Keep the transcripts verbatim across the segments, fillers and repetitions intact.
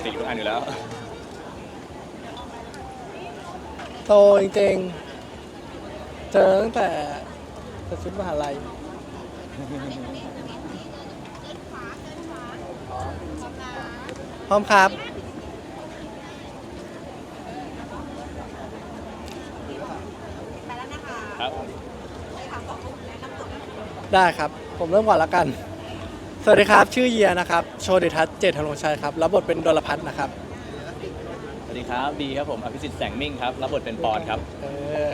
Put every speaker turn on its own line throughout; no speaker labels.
ติทุกอันอยู่แล้ว
โตจริงๆเจอตั้งแต่แต่ชุดมหาลัยพร้อมครับ
ครับ
ได้ครับผมเริ่มก่อนแล้วกันสวัสดีครับชื่อเยียนะครับโชติทัศน์เจตธนงชัยครับรับบทเป็นดลพัฒน์นะครับ
สวัสดีครับดีครับผมอภิสิทธิ์แสงมิ่งครับรับบทเป็นปอนครับ
เออ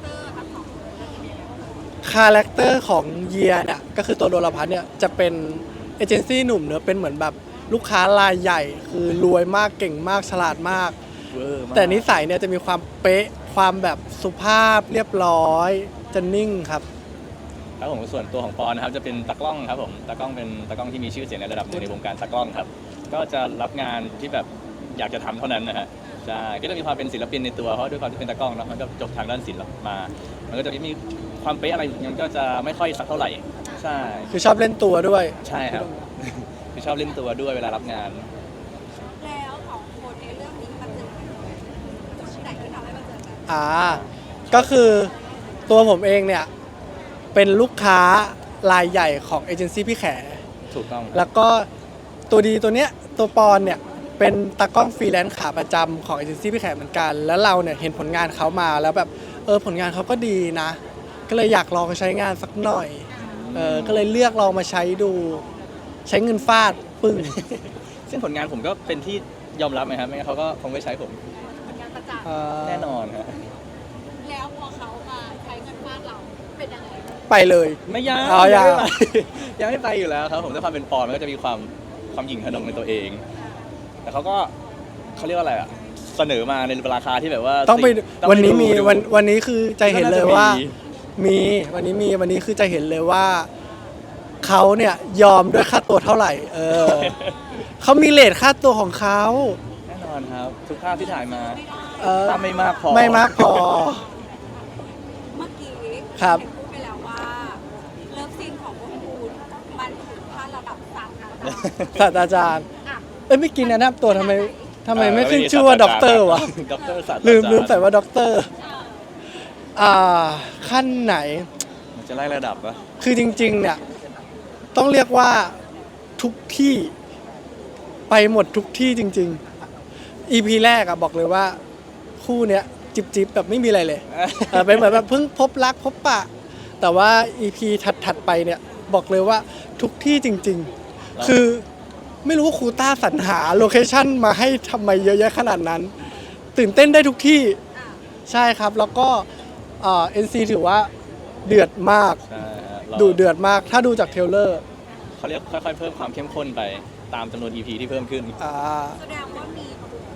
คาแรคเตอร์ของเยียเนี่ยก็คือตัวดลพัฒน์เนี่ยจะเป็นเอเจนซี่หนุ่มเนอะเป็นเหมือนแบบลูกค้ารายใหญ่คือรวยมากเก่งมากฉลาดมากแต่นิสัยเนี่ยจะมีความเป๊ะความแบบสุภาพเรียบร้อยจะนิ่งครับ
ครับผมส่วนตัวของปอนนะครับจะเป็นตากล้องครับผมตากล้องเป็นตากล้องที่มีชื่อเสียงในระดับหนึ่งในวงการตากล้องครับก็จะรับงานที่แบบอยากจะทำเท่านั้นนะฮะใช่ก็จะมีความเป็นศิลปินในตัวเพราะด้วยความที่เป็นตากล้องเนาะมันก็จบทางด้านศิลป์มามันก็จะมีความเป๊ะอะไรมันก็จะไม่ค่อยสักเท่าไหร่ใช่
คือชอบเล่นตัวด้วย
ใช่ครับคือชอบเล่นตัวด้วยเวลารับงาน
แล้วของคนในเรื่องนี้มาเจอกันที่ไหนที่ทำให้มาเจอกัน
อ่าก็คือตัวผมเองเนี่ยเป็นลูกค้ารายใหญ่ของเอเจนซี่พี่แข
ถูกต้อง
แล้วก็ตัวดีตัวเนี้ยตัวปอนเนี่ยเป็นตากล้องฟรีแลนซ์ขาประจำของเอเจนซี่พี่แขเหมือนกันแล้วเราเนี่ยเห็นผลงานเขามาแล้วแบบเออผลงานเขาก็ดีนะก็เลยอยากลองใช้งานสักหน่อยเออก็เลยเลือกลองมาใช้ดูใช้เงินฟาดปึ้ง
ซึ่งผลงานผมก็เป็นที่ยอมรับไหมครับไม่งั้นเขาก็คงไม่ใช้ผม
ผลงานประจักษ์
แน่นอนครับ
แล้วพอเขามาใช้เงินฟาดเราเป็นยังไง
ไปเลย
ไม่ยัง
อ๋อยัง
ยังไม่ไปอยู่แล้วครับผมด้วยความเป็นปอนมันก็จะมีความความหยิ่งขนงในตัวเองแต่เขาก็เขาเรียกว่าอะไรอะเสนอมาในราคาที่แบบว่า
ต้องไปวันนี้มีวันวันนี้คือใจเห็นเลยว่ามีวันนี้มีวันนี้คือใจเห็นเลยว่าเขาเนี่ยยอมด้วยค่าตัวเท่าไหร่เออเขามีเรทค่าตัวของเขา
แน่นอนครับทุกภาพที่ถ่ายมา
ถ้า
ไม่มากพอ
ไม่มากพอ
เมื่อกี้
ครับ
พูดไปแล้วว่าเลิฟซีนของพวกคุณมันถึงขั้นระดับศาสตราจารย์
ศาสตราจารย์เอ้ยไม่กินนะนับตัวทำไมทำไมไม่ขึ้นชื่อว่าด็อกเตอร์วะลืมลืมใส่ว่าด็อกเตอร์อ่าขั้นไหน
มันจะไล่ระดับปะ
คือจริงๆเนี่ยต้องเรียกว่าทุกที่ไปหมดทุกที่จริงๆ อี พี แรกอะบอกเลยว่าคู่เนี้ยจิบจิบแบบไม่มีอะไรเลยเป็นเหมือนแบบเพิ่งพบรักพบปะแต่ว่า อี พี ถัดๆไปเนี่ยบอกเลยว่าทุกที่จริงๆคือไม่รู้ว่าครูต้าสรรหาโลเคชั่นมาให้ทำไมเยอะแยะขนาดนั้นตื่นเต้นได้ทุกที่ใช่ครับแล้วก็เอ็นซีถือว่าเดือดมากดูเดือดมากถ้าดูจากเทรลเลอร์
เขาเรียกค่อยๆเพิ่มความเข้มข้นไปตามจำนวน อี พี ที่เพิ่มขึ้น
แสดงว่ามี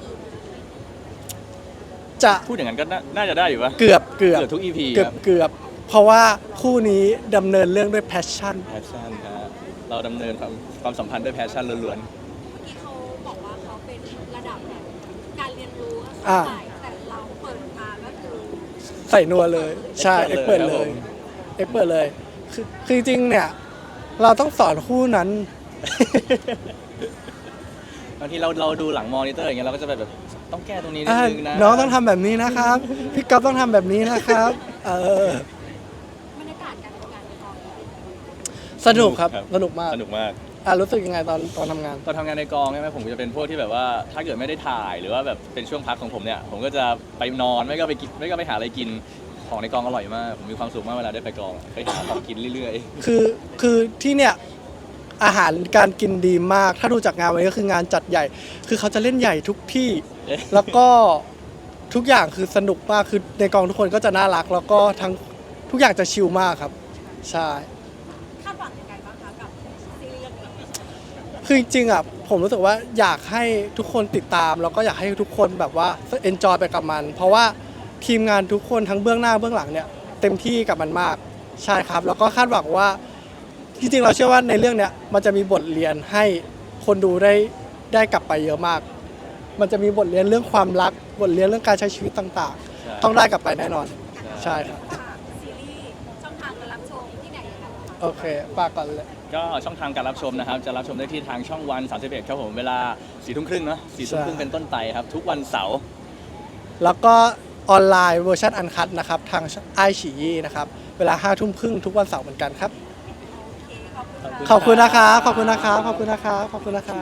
จะ
พูดอย่างนั้นก็น่าจะได้อยู่ปะ
เกือบเกือบ
ทุก อี พี
เกือบเกือบเพราะว่าคู่นี้ดำเนินเรื่องด้วยแพชชั่น
แพชชั่นครับเราดำเนินความความสัมพันธ์ด้วยแพชชั่นล้วน
ๆเมื่อกี้เขาบอกว่าเขาเป็นระดับแบบการเรียนรู้ใส่แต่เราเปิดมาก็คือ
ใส่นัวเลยใช่เอ็กเปิดเลยเอ็กเปิดเลยคือคือจริงเนี่ยเราต้องสอนคู่นั้น
บางทีเราเราดูหลังมอนิเตอร์อย่างเงี้ยเราก็จะแบบต้องแก้ตรงนี้นิดนึงนะ
น้องต้องทำแบบนี้นะครับพี่ก๊อฟต้องทำแบบนี้นะครับเอ
อบรรยากาศการทำงานในกอง
สนุกครับสนุกมาก
สนุกมาก
อ่ะรู้สึกยังไงตอนตอนทำงาน
ตอนทำงานในกองใช่ไหมผมจะเป็นพวกที่แบบว่าถ้าเกิดไม่ได้ถ่ายหรือว่าแบบเป็นช่วงพักของผมเนี่ยผมก็จะไปนอนไม่ก็ไปกินไม่ก็ไปหาอะไรกินของในกองอร่อยมากผมมีความสุขมากเวลาได้ไปกองไปหาของกินเรื่อย
ๆคือคือที่เนี่ยอาหารการกินดีมากถ้าดูจากงานวันนี้ก็คืองานจัดใหญ่คือเขาจะเล่นใหญ่ทุกที่แล้วก็ทุกอย่างคือสนุกมากคือในกองทุกคนก็จะน่ารักแล้วก็ทั้งทุกอย่างจะชิลมากครับใช่
คาดหวังยังไงบ้างคะกับซีรีส์เรื่องนี้
คือจริงๆอ่ะผมรู้สึกว่าอยากให้ทุกคนติดตามแล้วก็อยากให้ทุกคนแบบว่าเอนจอยไปกับมันเพราะว่าทีมงานทุกคนทั้งเบื้องหน้าเบื้องหลังเนี่ยเต็มที่กับมันมากใช่ครับแล้วก็คาดหวังว่าจริงๆเราเชื่อว่าในเรื่องเนี้ยมันจะมีบทเรียนให้คนดูได้ได้กลับไปเยอะมากมันจะมีบทเรียนเรื่องความรักบทเรียนเรื่องการใช้ชีวิตต่างๆต้องได้กลับไปแน่นอนใช่ครับ
ซีรีส์ช่องทางการรับชมที่ไหนยังไง
โอเคฝากก่อนเลย
ก็ช่องทางการรับชมนะครับ จะรับชมได้ที่ทางช่องวันสามสิบเอ็ดครับผมเวลาสี่ทุ่มครึ่งเนาะสี่ทุ่มครึ่งเป็นต้นไปครับ ทุกวันเสาร์
แล้วก็ออนไลน์เวอร์ชันอันคัดนะครับทางไอฉี่นะครับเวลาห้าทุ่มครึ่งทุกวันเสาร์เหมือนกันครับ
โอเคขอบคุณค่ะ
ขอบคุณนะครับขอบคุณนะครับขอบคุณนะครับขอบคุณนะครับ